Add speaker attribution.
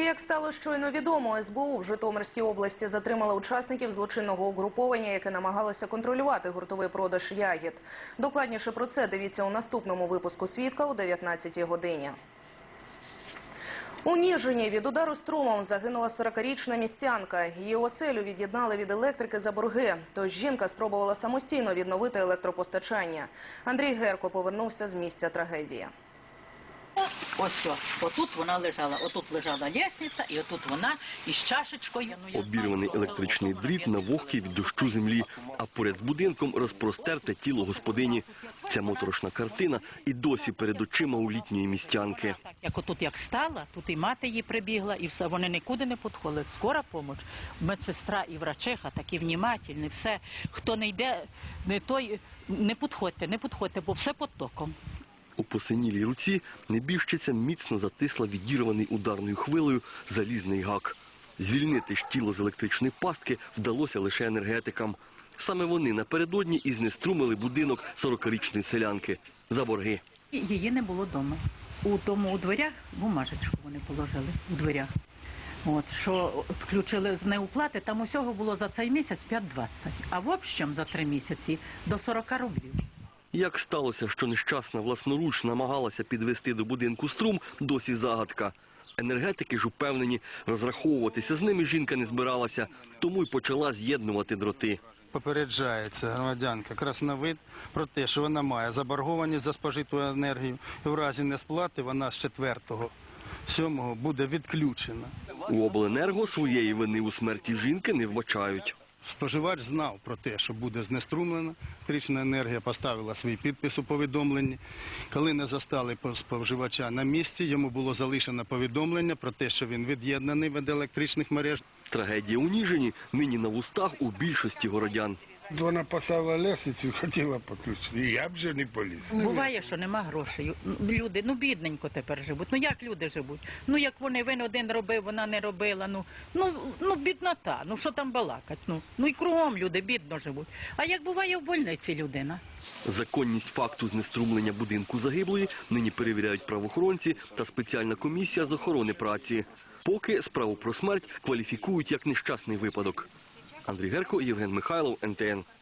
Speaker 1: Як стало щойно відомо, СБУ в Житомирській області затримала учасників злочинного угруповання, яке намагалося контролювати гуртовий продаж ягід. Докладніше про це дивіться у наступному випуску «Свідка» о 19-й годині. У Ніжині від удару струмом загинула 40-річна містянка. Її оселю від'єднали від електрики за борги. Тож жінка спробувала самостійно відновити електропостачання. Андрій Герко повернувся з місця трагедії.
Speaker 2: Ось що, отут вона лежала, отут лежала лестниця, і отут вона із чашечкою.
Speaker 3: Обірваний електричний дріт на вогкій від дощу землі, а поряд з будинком розпростерте тіло господині. Ця моторошна картина і досі перед очима у літньої містянки.
Speaker 2: Як отут як стала, тут і мати її прибігла, і все, вони нікуди не підходять. Скора допомога, медсестра і врачиха такі внімательні, все. Хто не йде, не підходьте, бо все під током.
Speaker 3: У посинілій руці небіжчиця міцно затисла відірваний ударною хвилею залізний гак. Звільнити ж тіло з електричної пастки вдалося лише енергетикам. Саме вони напередодні і знеструмили будинок 40-річної селянки за борги.
Speaker 2: Її не було вдома. У дверях бумажечку вони положили у дверях. Що включили з неуплати, там усього було за цей місяць 5,20, а в общем за 3 місяці до 40 рублів.
Speaker 3: Як сталося, що нещасна власноруч намагалася підвести до будинку струм, досі загадка. Енергетики ж упевнені, розраховуватися з ними жінка не збиралася, тому й почала з'єднувати дроти.
Speaker 4: Попереджається громадянка Красновид про те, що вона має заборгованість за спожиту енергію, і в разі несплати вона з 4-7 буде відключена.
Speaker 3: У обленерго своєї вини у смерті жінки не вбачають.
Speaker 4: Споживач знав про те, що буде знеструмлена електрична енергія, поставила свій підпис у повідомленні. Коли не застали споживача на місці, йому було залишено повідомлення про те, що він від'єднаний від електричних мереж.
Speaker 3: Трагедія у Ніжині нині на вустах у більшості городян.
Speaker 5: Вона поставила лестницю, хотіла підключити, і я б вже не поліз.
Speaker 2: Буває, що нема грошей. Люди, бідненько тепер живуть. Як люди живуть? Як він один робив, вона не робила. Біднота, що там балакать. І кругом люди бідно живуть. А як буває в больниці людина?
Speaker 3: Законність факту знеструмлення будинку загиблої нині перевіряють правоохоронці та спеціальна комісія з охорони праці. Поки справу про смерть кваліфікують як нещасний випадок. Андрій Герко, Євген Михайлов, НТН.